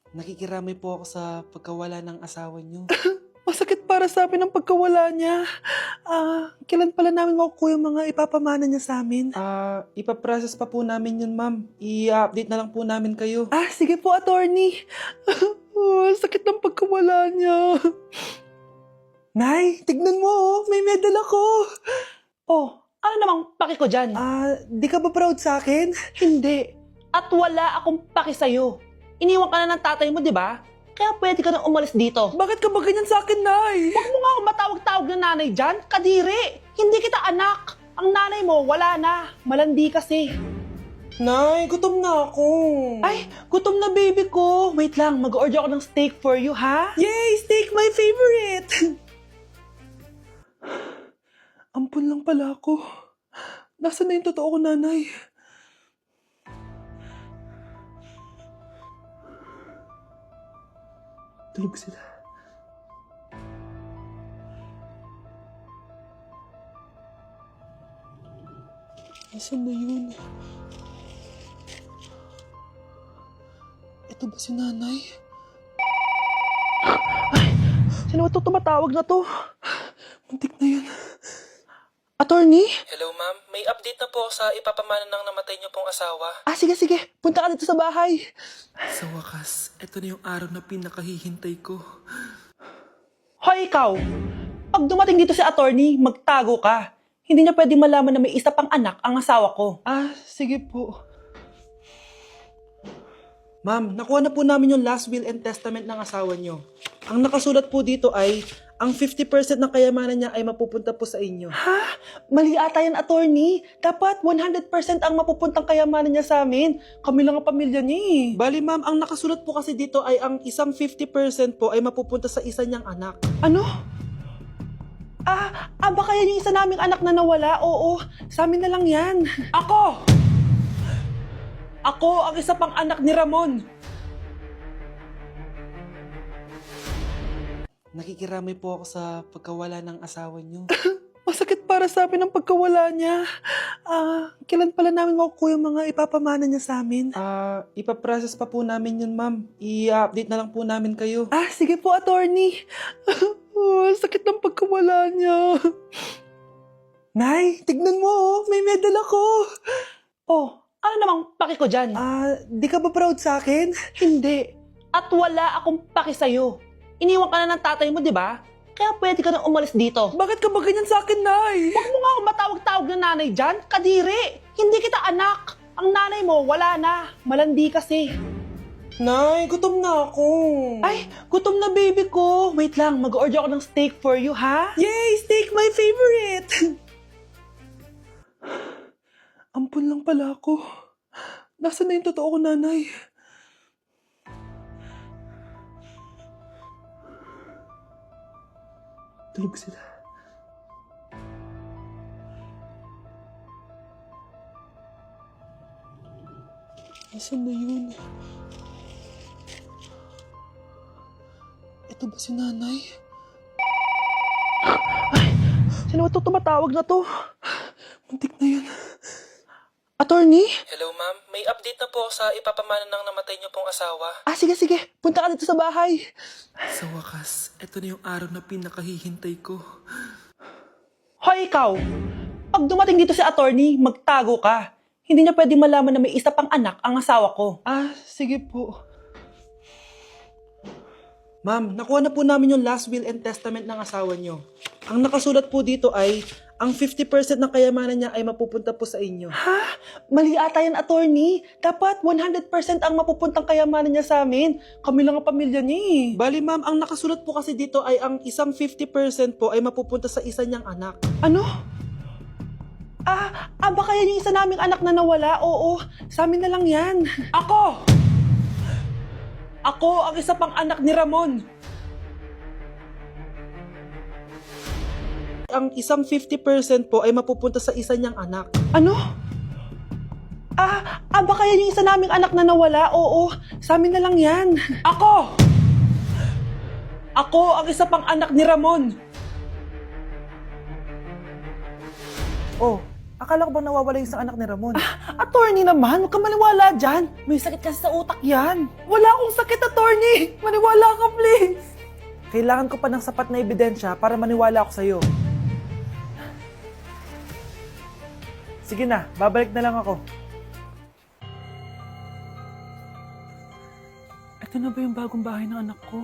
Nakikiramay po ako sa pagkawala ng asawa niyo. Masakit para sa amin ang pagkawala niya. Kailan pala namin makukuha yung mga ipapamana niya sa amin? Ipaprocess pa po namin yun, ma'am. I-update na lang po namin kayo. Sige po, attorney. Sakit ng pagkawala niya. Nay, tignan mo, may medal ako. Ano namang paki ko dyan? Di ka ba proud sa akin? Hindi. At wala akong paki sa'yo. Iniwan ka na ng tatay mo, di ba? Kaya pwede ka nang umalis dito. Bakit ka ba ganyan sa akin, Nay? Huwag mo nga akong matawag-tawag na nanay dyan. Kadiri. Hindi kita anak. Ang nanay mo, wala na. Malandi kasi. Nay, gutom na ako. Ay, gutom na baby ko. Wait lang, mag-order ako ng steak for you, ha? Yay! Steak, my favorite! Ampun lang pala ako. Nasaan na yung totoo ko, nanay? Tulog sila. Nasaan na yun? Ito ba si nanay? Sino ba ito tumatawag na to? Muntik na yun. Attorney? Hello, ma'am. May update na po sa ipapamana ng namatay niyo pong asawa. Sige. Punta ka dito sa bahay. Sa wakas, ito na yung araw na pinakahihintay ko. Hoy, ikaw! Pag dumating dito si attorney, magtago ka. Hindi niya pwede malaman na may isa pang anak ang asawa ko. Sige po. Ma'am, nakuha na po namin yung last will and testament ng asawa niyo. Ang nakasulat po dito ay, ang 50% ng kayamanan niya ay mapupunta po sa inyo. Mali ata yan, attorney. Dapat 100% ang mapupuntang kayamanan niya sa amin. Kami lang ang pamilya niya eh. Bali, ma'am, ang nakasulat po kasi dito ay ang isang 50% po ay mapupunta sa isa niyang anak. Ano? Baka yan yung isa naming anak na nawala? Oo, sa amin na lang yan. Ako ang isa pang anak ni Ramon. Nakikiramay po ako sa pagkawala ng asawa niyo. Masakit para sa amin ang pagkawala niya. Kailan pala namin makukuha yung mga ipapamana niya sa amin? Ipaprocess pa po namin yun, ma'am. I-update na lang po namin kayo. Sige po, attorney. Sakit ng pagkawala niya. Nay, tignan mo, may medal ako. Ano namang paki ko dyan? Di ka ba proud sa akin? Hindi. At wala akong paki sa'yo. Iniwan ka na ng tatay mo, di ba? Kaya pwede ka nang umalis dito. Bakit ka ba ganyan sa akin, Nay? Huwag mo nga akong matawag-tawag na nanay dyan. Kadiri. Hindi kita anak. Ang nanay mo, wala na. Malandi kasi. Nay, gutom na ako. Ay, gutom na baby ko. Wait lang, mag-order ako ng steak for you, ha? Yay! Steak, my favorite! Ampun lang pala ako. Nasaan na yung totoo ko, nanay? Tulog sila. Nasaan na yun? Ito ba si nanay? Sino ba ito tumatawag na to? Muntik na yun. Attorney? Hello, ma'am. May update na po sa ipapamana ng namatay niyo pong asawa. Sige. Punta ka dito sa bahay. Sa wakas, ito na yung araw na pinakahihintay ko. Hoy, ikaw! Pag dumating dito si attorney, magtago ka. Hindi niya pwede malaman na may isa pang anak ang asawa ko. Sige po. Ma'am, nakuha na po namin yung last will and testament ng asawa niyo. Ang nakasulat po dito ay, ang 50% ng kayamanan niya ay mapupunta po sa inyo. Mali ata yan, attorney. Dapat 100% ang mapupuntang kayamanan niya sa amin. Kami lang ang pamilya niya eh. Bali, ma'am, ang nakasulat po kasi dito ay ang isang 50% po ay mapupunta sa isa niyang anak. Ano? Baka yan yung isa naming anak na nawala? Oo, sa amin na lang yan. Ako ang isa pang anak ni Ramon. Ang isang 50% po ay mapupunta sa isa niyang anak. Ano? Baka yan yung isa naming anak na nawala? Oo, sa amin na lang yan. Ako ang isa pang anak ni Ramon. Akala ko ba nawawala yung isang anak ni Ramon? Attorney naman, huwag ka maniwala dyan. May sakit kasi sa utak yan. Wala akong sakit, attorney! Nay! Maniwala ka, please! Kailangan ko pa ng sapat na ebidensya para maniwala ako sa'yo. Sige na, babalik na lang ako. Ito na ba yung bagong bahay ng anak ko?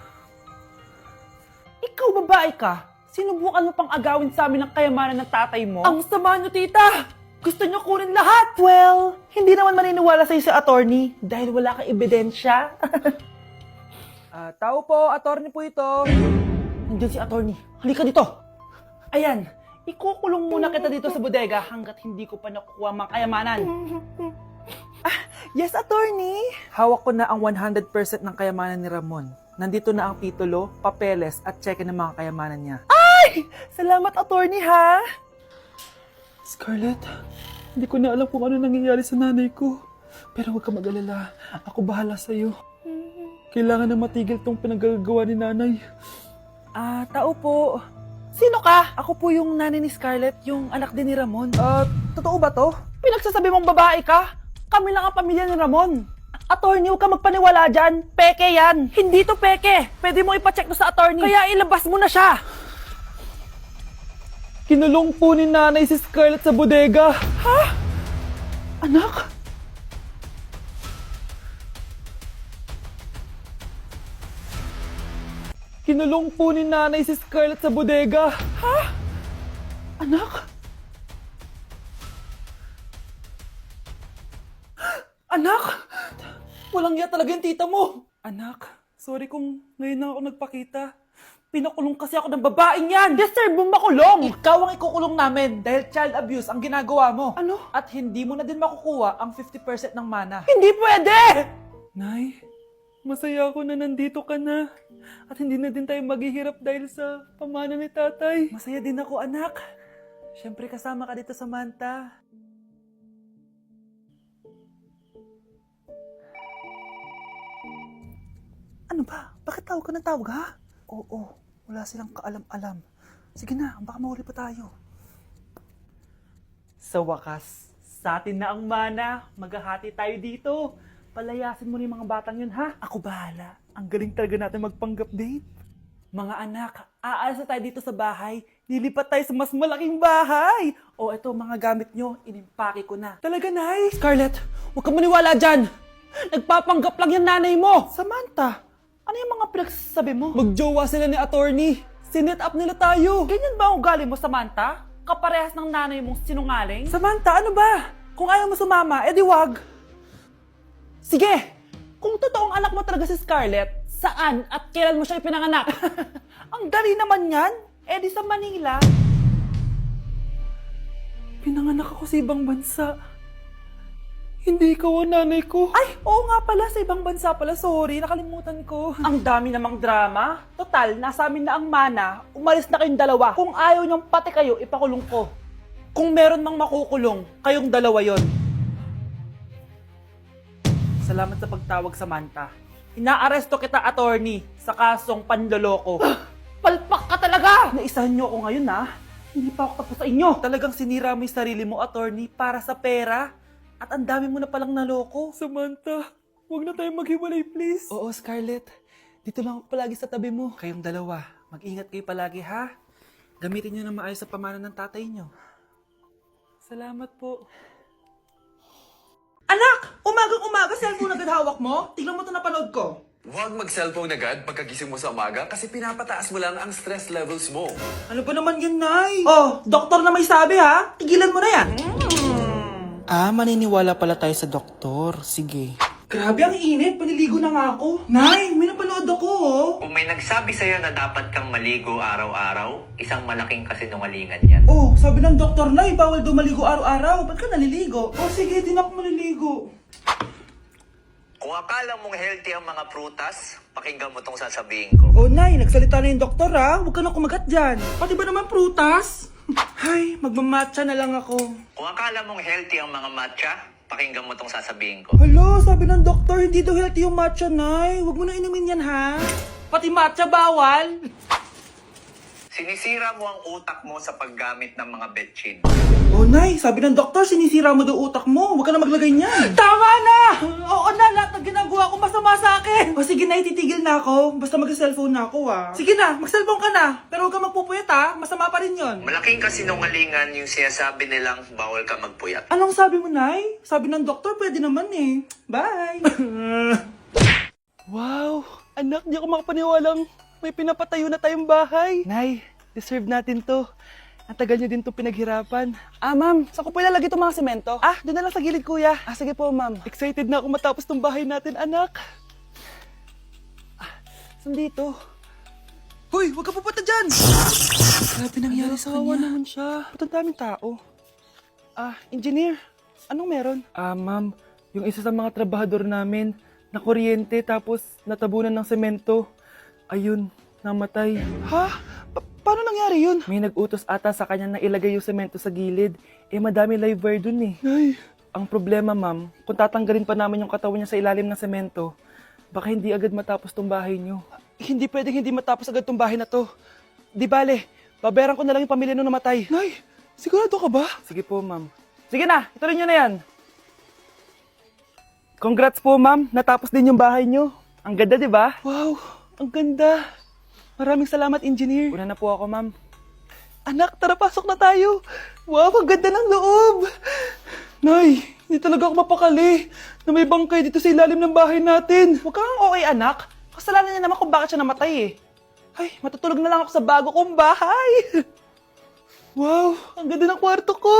Ikaw babae ka? Sinubukan mo pang agawin sa amin ng kayamanan ng tatay mo? Ang sama niyo, tita! Gusto niyo kunin lahat! Well, hindi naman maniniwala sa'yo si attorney dahil wala kang ebidensya. Tao po, attorney po ito. Nandiyan si attorney. Halika dito. Ayan, ikukulong muna kita dito sa bodega hanggat hindi ko pa nakukuha mga kayamanan. Yes, attorney. Hawak ko na ang 100% ng kayamanan ni Ramon. Nandito na ang titulo, papeles at cheque ng mga kayamanan niya. Ay! Salamat, attorney, ha? Scarlett, hindi ko na alam kung ano nangyayari sa nanay ko. Pero huwag ka mag-alala. Ako bahala sa'yo. Kailangan na matigil tong pinagagawa ni nanay. Tao po. Sino ka? Ako po yung nanay ni Scarlett, yung anak din ni Ramon. Totoo ba to? Pinagsasabi mong babae ka? Kami lang ang pamilya ni Ramon. Attorney, huwag ka magpaniwala dyan. Peke yan. Hindi to peke. Pwede mo ipacheck to sa attorney. Kaya ilabas mo na siya. Kinulong po ni nanay si Scarlett sa bodega. Ha? Anak? Kinulong po ni nanay si Scarlett sa bodega. Ha? Anak? Anak! Walang iya talaga yung tita mo. Anak, sorry kung ngayon na ako nagpakita. Pinakulong kasi ako ng babaeng yan. Deserve mong makulong. Ikaw ang ikukulong namin dahil child abuse ang ginagawa mo. Ano? At hindi mo na din makukuha ang 50% ng mana. Hindi pwede! Nay, masaya ako na nandito ka na. At hindi na din tayo maghihirap dahil sa pamana ni tatay. Masaya din ako, anak. Siyempre kasama ka dito sa Manta. Ano ba? Bakit tawag ka ng tawag, ha? Oo, wala silang kaalam-alam. Sige na, baka mahuli pa tayo. Sa wakas, sa atin na ang mana. Maghahati tayo dito. Palayasin mo na yung mga batang yun, ha? Ako bahala. Ang galing talaga natin magpanggap date. Mga anak, aalis na tayo dito sa bahay. Lilipat tayo sa mas malaking bahay. O eto, mga gamit nyo, inimpake ko na. Talaga, Nay? Scarlett, huwag kang maniwala dyan. Nagpapanggap lang yung nanay mo. Samantha, Ano yung mga pinagsasabi mo? magjowa sila ni attorney. Sinet up nila tayo. Ganyan ba ang ugali mo, Samantha? Kaparehas ng nanay mong sinungaling? Samantha, ano ba? Kung ayaw mo sumama, edi wag. Sige! Kung totoong anak mo talaga si Scarlett, saan at kailan mo siya ipinanganak? Ang dali naman yan. Eh di sa Manila. Pinanganak ako sa ibang bansa. Hindi ikaw ang nanay ko. Ay, oo nga pala, sa ibang bansa pala. Sorry, nakalimutan ko. Ang dami namang drama. Total, nasa amin na ang mana. Umalis na kayong dalawa. Kung ayaw niyong pati kayo, ipakulong ko. Kung meron mang makukulong, kayong dalawa yon. Salamat sa pagtawag, Samantha. Inaaresto kita, attorney, sa kasong panloloko. Palpak ka talaga! Naisahan niyo ako ngayon, ha? Hindi pa ako tapos sa inyo. Talagang sinira mo yung sarili mo, attorney, para sa pera. At ang dami mo na palang naloko. Samantha, huwag na tayo maghiwalay, please. Oo, Scarlett. Dito lang ako palagi sa tabi mo. Kayong dalawa, mag-ingat kayo palagi, ha? Gamitin niyo na maayos sa pamana ng tatay niyo. Salamat po. Anak! Umagang-umaga, cellphone agad hawak mo? Tignan mo ito napanood ko. Huwag mag-cellphone agad pagkagising mo sa umaga kasi pinapataas mo lang ang stress levels mo. Ano ba naman yan, Nay? Oh, doktor na may sabi, ha? Tigilan mo na yan. Maniniwala pala tayo sa doktor. Sige. Grabe, ang init. Paliligo na nga ako. Nay, may napanood ako, oh. Kung may nagsabi sa'yo na dapat kang maligo araw-araw, isang malaking kasinungalingan yan. Oh, sabi ng doktor, Nay, bawal daw maligo araw-araw. Ba't ka naliligo? Oh, sige, din ako maliligo. Kung akala mong healthy ang mga prutas, pakinggan mo tong sasabihin ko. Oh, Nay, nagsalita na yung doktor, ha? Huwag ka na kumagat dyan. Pati ba naman prutas? Ay, magmamatcha na lang ako. Kung akala mong healthy ang mga matcha, pakinggan mo tong sasabihin ko. Hala, sabi ng doktor, hindi daw healthy yung matcha, Nay. Huwag mo na inumin yan, ha? Pati matcha bawal. Sinisira mo ang utak mo sa paggamit ng mga betchin. Oh, Nay, sabi ng doktor, sinisira mo daw utak mo. Huwag ka na maglagay niyan. Tama na! Oo na, lahat ng ginagawa ko masama sa akin. O sige na, titigil na ako. Basta mag-cellphone na ako, ah. Sige na, mag-cellphone ka na. Pero huwag ka magpupuyat, ha. Masama pa rin yon. Malaking kasinungalingan yung sinasabi nilang bawal ka magpuyat. Anong sabi mo, Nay? Sabi ng doktor, pwede naman eh. Bye! Wow! Anak, di ako makapaniwalang may pinapatayo na tayong bahay. Nay, deserve natin to. Ang tagal niyo din to pinaghirapan. Ma'am, saan ko po ilalagay itong mga semento? Doon na lang sa gilid, kuya. Sige po, ma'am. Excited na ako matapos tong bahay natin, anak. Saan dito? Hoy, huwag ka pupunta dyan! Grabe nangyari sa kanya. Naman siya. Ba't ang daming tao? Engineer, anong meron? Ma'am, yung isa sa mga trabahador namin, nakuryente tapos natabunan ng semento. Ayun, namatay. Ha? Paano nangyari yun? May nag-utos ata sa kanya na ilagay yung semento sa gilid. Madami live wire dun eh. Ay. Ang problema, ma'am, kung tatanggalin pa namin yung katawan niya sa ilalim ng semento, baka hindi agad matapos tong bahay niyo. Hindi pwedeng hindi matapos agad tong bahay na to. Di bale, babayaran ko na lang yung pamilya nung namatay. Nay, sigurado ka ba? Sige po, ma'am. Sige na, ituloy niyo na yan. Congrats po, ma'am. Natapos din yung bahay niyo. Ang ganda, di ba? Wow, ang ganda. Maraming salamat, engineer. Una na po ako, ma'am. Anak, tara, pasok na tayo. Wow, ang ganda ng loob. Nay, hindi talaga ako mapakali na may bangkay dito sa ilalim ng bahay natin. Huwag kang okay, anak. Kasalanan niya naman kung bakit siya namatay eh. Ay, matutulog na lang ako sa bago kong bahay. Wow, ang ganda ng kwarto ko.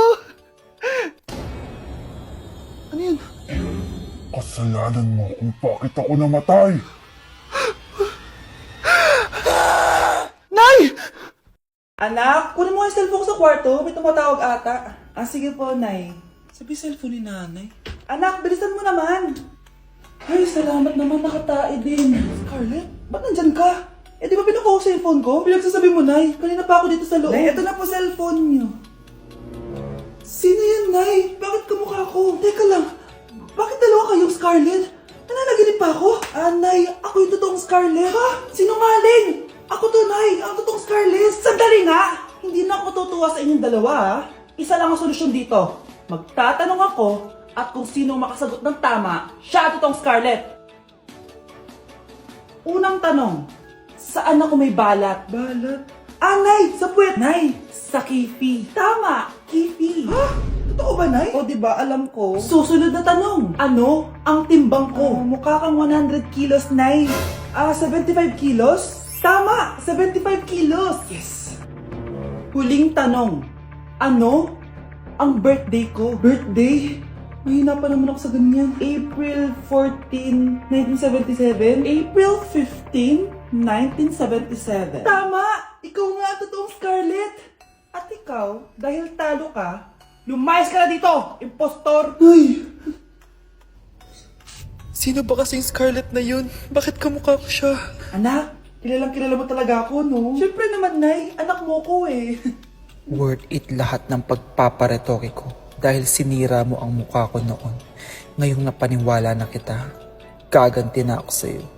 Ano yun? Kasalanan mo kung bakit ako namatay. Nay! Anak, kunin mo yung cellphone ko sa kwarto. May tumatawag ata. Sige po, Nay. Sabi cellphone ni nanay. Anak, bilisan mo naman. Ay, salamat naman, nakatae din. Scarlett, ba't nandyan ka? Di ba pinukuha ko sa cellphone ko? Pinagsasabi mo, Nay. Kanina pa ako dito sa loob. Nay, ito na po cellphone niyo. Sino yan, Nay? Bakit kamukha ko? Teka lang, bakit dalawa kayong Scarlett? Nananaginip pa ako? Nay, ako yung totoong Scarlett. Ha? Sinungaling! Ako to, Nay. Ang totoong Scarlett. Sandali nga! Hindi na ako tutuwa sa inyong dalawa, ha? Isa lang ang solusyon dito. Magtatanong ako at kung sino makasagot ng tama, siya ang totoong Scarlett. Unang tanong, saan ako may balat? Balat? Nay! Sa puwet! Nay! Sa kifi. Tama! Kifi. Ha? Totoo ba, Nay? O, diba? Alam ko. Susunod na tanong. Ano ang timbang ko? Mukha kang 100 kilos, Nay. 75 kilos? Tama! 75 kilos! Yes! Huling tanong. Ano ang birthday ko? Birthday? Mahina pa naman ako sa ganyan. April 14, 1977? April 15, 1977. Tama! Ikaw nga ang totoong Scarlett! At ikaw, dahil talo ka, lumayas ka na dito, impostor! Ay! Sino ba kasing Scarlett na yun? Bakit kamukha ko siya? Anak, kilala mo talaga ako, no? Siyempre naman, Nay. Anak mo ko eh. Worth it lahat ng pagpaparetoke ko dahil sinira mo ang mukha ko noon. Ngayong napaniwala na kita, gaganti na ako sa'yo.